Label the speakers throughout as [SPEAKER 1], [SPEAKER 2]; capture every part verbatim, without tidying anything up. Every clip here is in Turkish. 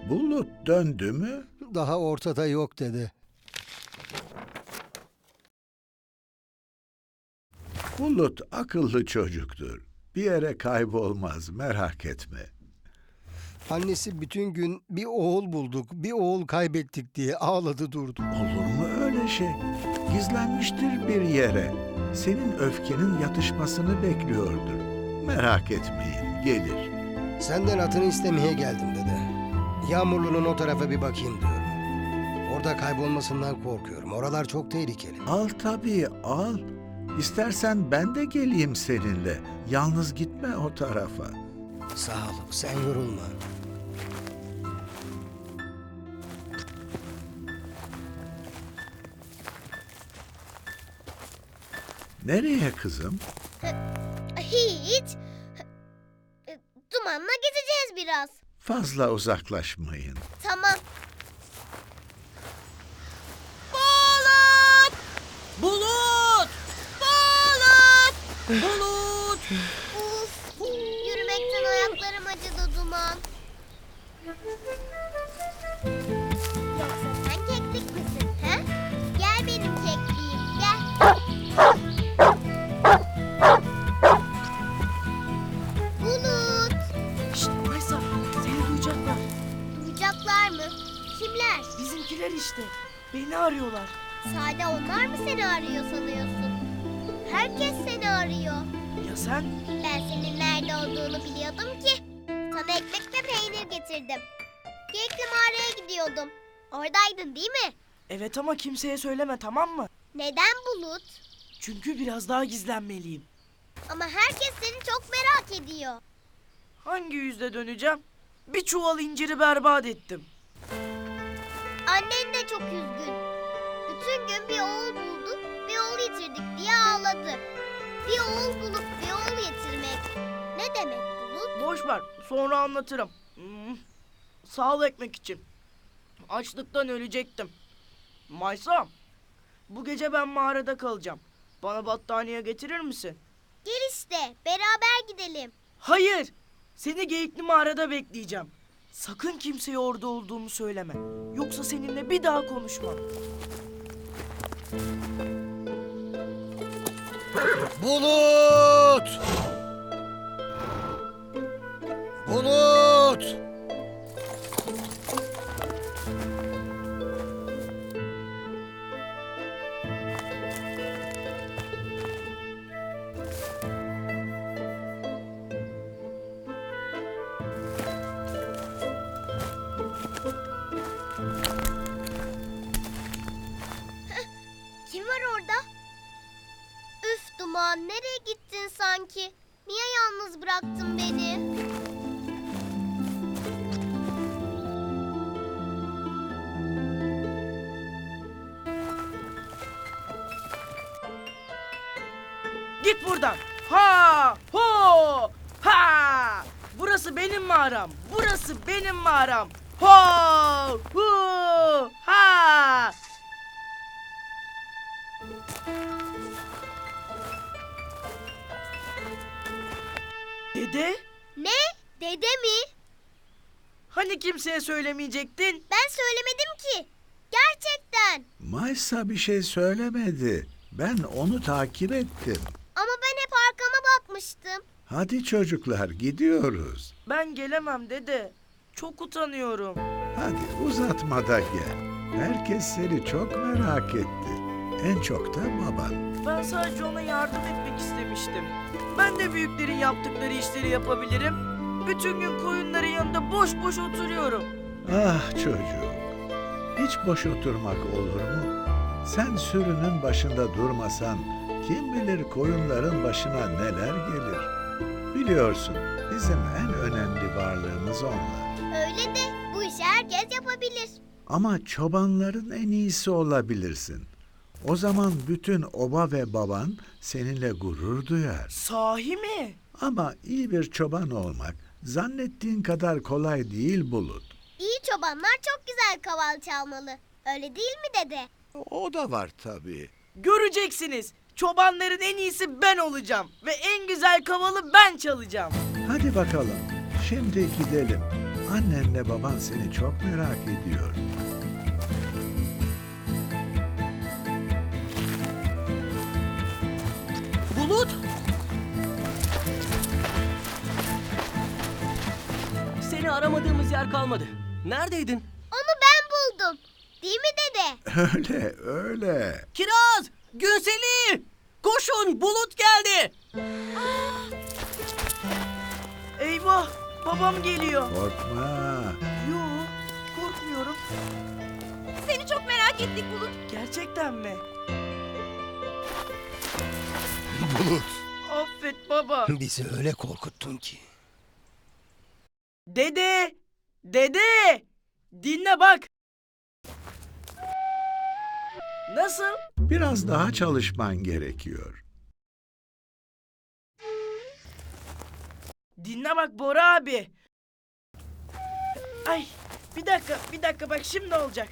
[SPEAKER 1] Bulut döndü mü?
[SPEAKER 2] Daha ortada yok dede.
[SPEAKER 1] Bulut akıllı çocuktur. Bir yere kaybolmaz, merak etme.
[SPEAKER 2] Annesi bütün gün bir oğul bulduk, bir oğul kaybettik diye ağladı durdu.
[SPEAKER 1] Olur mu öyle şey? Gizlenmiştir bir yere. Senin öfkenin yatışmasını bekliyordur. Merak etmeyin, gelir.
[SPEAKER 2] Senden atını istemeye geldim dede. Yağmurlu'nun o tarafa bir bakayım diyorum. Orada kaybolmasından korkuyorum. Oralar çok tehlikeli.
[SPEAKER 1] Al tabii, al. İstersen ben de geleyim seninle. Yalnız gitme o tarafa.
[SPEAKER 2] Sağ ol, sen yorulma.
[SPEAKER 1] Nereye kızım?
[SPEAKER 3] Hiç. Dumanla gezeceğiz biraz.
[SPEAKER 1] Fazla uzaklaşmayın.
[SPEAKER 3] Tamam.
[SPEAKER 4] Bulut! Bulut! Bulut! Bulut!
[SPEAKER 3] Uf, yürümekten ayaklarım acıdı Duman. Yoksa sen keklik misin, he? Gel benim kekliğim, gel. Bulut!
[SPEAKER 4] Şşt Maysa, seni duyacaklar.
[SPEAKER 3] Duyacaklar mı? Kimler?
[SPEAKER 4] Bizimkiler işte. Beni arıyorlar.
[SPEAKER 3] Sade onlar mı seni arıyor sanıyorsun? Herkes seni arıyor.
[SPEAKER 4] Ya sen?
[SPEAKER 3] Ben senin nerede olduğunu biliyordum ki. Sana ekmek ve peynir getirdim. Geyikli mağaraya gidiyordum. Oradaydın değil mi?
[SPEAKER 4] Evet ama kimseye söyleme, tamam mı?
[SPEAKER 3] Neden Bulut?
[SPEAKER 4] Çünkü biraz daha gizlenmeliyim.
[SPEAKER 3] Ama herkes seni çok merak ediyor.
[SPEAKER 4] Hangi yüzle döneceğim? Bir çuval inciri berbat ettim.
[SPEAKER 3] Annen de çok üzgün. Bütün gün bir oğul bulduk, bir oğul yitirdik diye ağladı. Bir oğul bulup bir oğul yitirmek ne demek Bulut?
[SPEAKER 4] Boş ver, sonra anlatırım. Hmm. Sağ ol ekmek için. Açlıktan ölecektim. Maysa, bu gece ben mağarada kalacağım. Bana battaniye getirir misin?
[SPEAKER 3] Gel işte, beraber gidelim.
[SPEAKER 4] Hayır, seni Geyikli mağarada bekleyeceğim. Sakın kimseye orada olduğumu söyleme. Yoksa seninle bir daha konuşmam.
[SPEAKER 2] Bulut! Bulut!
[SPEAKER 3] Kim var orada? Üf Duman, nereye gittin sanki? Niye yalnız bıraktın beni?
[SPEAKER 4] Git buradan. Ha! Ho! Ha! Burası benim mağaram. Burası benim mağaram. Ho! Hu! Ha! Dede,
[SPEAKER 3] Ne? Dede mi?
[SPEAKER 4] hani kimseye söylemeyecektin?
[SPEAKER 3] Ben söylemedim ki. Gerçekten.
[SPEAKER 1] Maysa bir şey söylemedi. Ben onu takip ettim.
[SPEAKER 3] Ama ben hep arkama bakmıştım.
[SPEAKER 1] Hadi çocuklar gidiyoruz.
[SPEAKER 4] Ben gelemem dede. Çok utanıyorum.
[SPEAKER 1] Hadi uzatma da gel. Herkes seni çok merak etti. En çok da baban.
[SPEAKER 4] Ben sadece ona yardım etmek istemiştim. Ben de büyüklerin yaptıkları işleri yapabilirim. Bütün gün koyunların yanında boş boş oturuyorum.
[SPEAKER 1] Ah çocuğum. Hiç boş oturmak olur mu? Sen sürünün başında durmasan kim bilir koyunların başına neler gelir. Biliyorsun bizim en önemli varlığımız onlar.
[SPEAKER 3] Öyle de bu işi herkes yapabilir.
[SPEAKER 1] Ama çobanların en iyisi olabilirsin. O zaman bütün oba ve baban seninle gurur duyar.
[SPEAKER 4] Sahi mi?
[SPEAKER 1] Ama iyi bir çoban olmak zannettiğin kadar kolay değil Bulut.
[SPEAKER 3] İyi çobanlar çok güzel kaval çalmalı. Öyle değil mi dede?
[SPEAKER 1] O da var tabii.
[SPEAKER 4] Göreceksiniz. Çobanların en iyisi ben olacağım. Ve en güzel kavalı ben çalacağım.
[SPEAKER 1] Hadi bakalım. Şimdi gidelim. Annenle baban seni çok merak ediyor.
[SPEAKER 5] Bulut! Seni aramadığımız yer kalmadı. Neredeydin?
[SPEAKER 3] Onu ben buldum. Değil mi dede?
[SPEAKER 1] Öyle, öyle.
[SPEAKER 5] Kiraz! Günseli! Koşun! Bulut geldi!
[SPEAKER 4] Eyvah, babam geliyor.
[SPEAKER 1] Korkma.
[SPEAKER 4] Yo, korkmuyorum.
[SPEAKER 6] Seni çok merak ettik Bulut.
[SPEAKER 4] Gerçekten mi?
[SPEAKER 2] Bulut,
[SPEAKER 4] Affet baba.
[SPEAKER 2] bizi öyle korkuttun ki.
[SPEAKER 4] Dede! Dede! Dinle bak. Nasıl?
[SPEAKER 1] Biraz daha çalışman gerekiyor.
[SPEAKER 4] Dinle bak Bora abi. Ay, bir dakika, bir dakika bak şimdi olacak.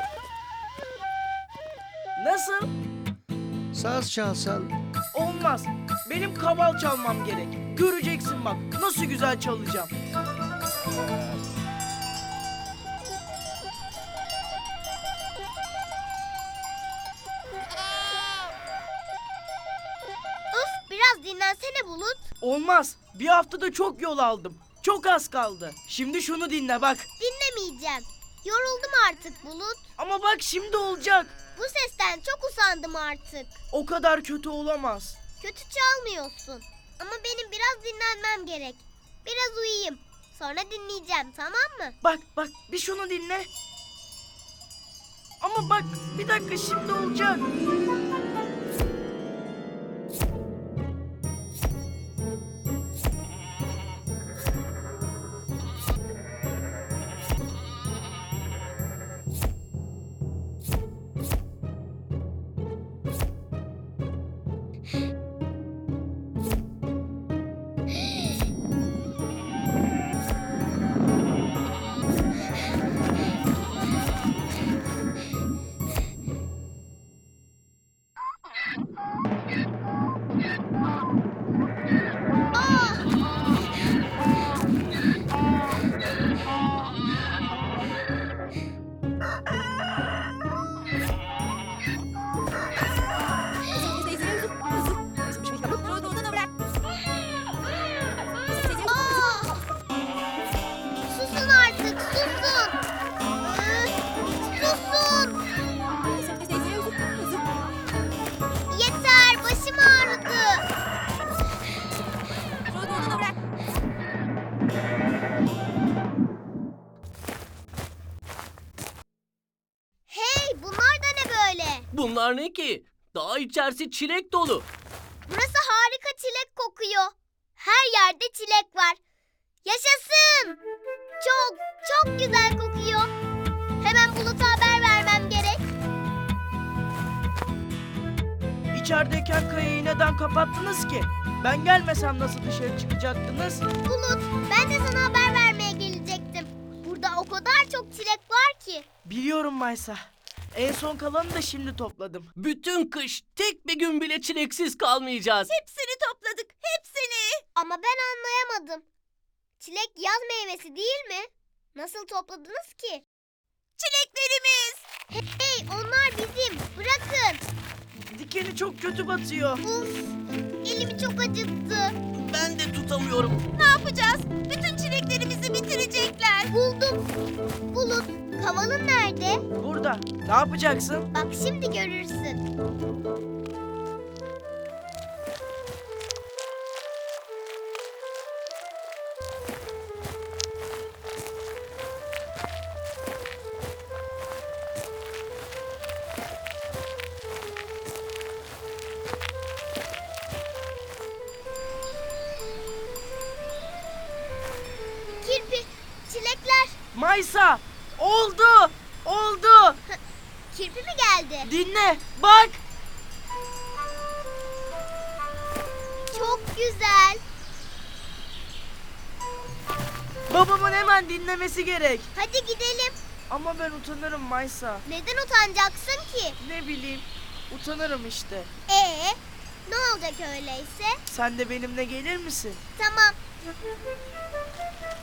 [SPEAKER 4] Nasıl?
[SPEAKER 2] Saz çalsan
[SPEAKER 4] Olmaz. Benim kaval çalmam gerek. Göreceksin bak nasıl güzel çalacağım.
[SPEAKER 3] Uf, biraz dinlensene Bulut.
[SPEAKER 4] Olmaz. Bir haftada çok yol aldım. Çok az kaldı. Şimdi şunu dinle bak.
[SPEAKER 3] Dinlemeyeceğim. Yoruldum artık Bulut.
[SPEAKER 4] Ama bak şimdi olacak.
[SPEAKER 3] Bu sesten çok usandım artık.
[SPEAKER 4] O kadar kötü olamaz.
[SPEAKER 3] Kötü çalmıyorsun. Ama benim biraz dinlenmem gerek. Biraz uyuyayım. Sonra dinleyeceğim, tamam mı?
[SPEAKER 4] Bak bak bir şunu dinle. Ama bak bir dakika şimdi olacak.
[SPEAKER 3] Aa! Susun artık, susun. Üf, susun. Yeter, başım ağrıdı. Hey, bunlar da ne böyle?
[SPEAKER 5] Bunlar ne ki? Daha içerisi çilek dolu.
[SPEAKER 3] Burası harika çilek kokuyor. Her yerde çilek var. Yaşasın. Çok, çok güzel kokuyor. Hemen Bulut'a haber vermem gerek.
[SPEAKER 4] İçerideyken kayayı neden kapattınız ki? Ben gelmesem nasıl dışarı çıkacaktınız?
[SPEAKER 3] Bulut, ben de sana haber vermeye gelecektim. Burada o kadar çok çilek var ki.
[SPEAKER 4] Biliyorum Maysa. En son kalanı da şimdi topladım.
[SPEAKER 5] Bütün kış tek bir gün bile çileksiz kalmayacağız.
[SPEAKER 6] Hepsini topladık, hepsini.
[SPEAKER 3] Ama ben anlayamadım. Çilek yaz meyvesi değil mi? Nasıl topladınız ki?
[SPEAKER 6] Çileklerimiz.
[SPEAKER 3] Hey, onlar bizim. Bırakın.
[SPEAKER 4] Dikeni çok kötü batıyor.
[SPEAKER 3] Uf, elimi çok acıttı.
[SPEAKER 5] Ben de tutamıyorum.
[SPEAKER 6] Ne yapacağız? Bütün çileklerimizi bitirecekler.
[SPEAKER 3] Buldum. Bulut, kavalın nerede?
[SPEAKER 4] Burada. Ne yapacaksın?
[SPEAKER 3] Bak şimdi görürsün. Kirpi, çilekler.
[SPEAKER 4] Maysa! Oldu! Oldu!
[SPEAKER 3] Kirpi mi geldi?
[SPEAKER 4] Dinle! Bak!
[SPEAKER 3] Çok güzel.
[SPEAKER 4] Babamın hemen dinlemesi gerek.
[SPEAKER 3] Hadi gidelim.
[SPEAKER 4] Ama ben utanırım Maysa.
[SPEAKER 3] Neden utanacaksın ki?
[SPEAKER 4] Ne bileyim. Utanırım işte.
[SPEAKER 3] Ee, ne olacak öyleyse?
[SPEAKER 4] Sen de benimle gelir misin?
[SPEAKER 3] Tamam.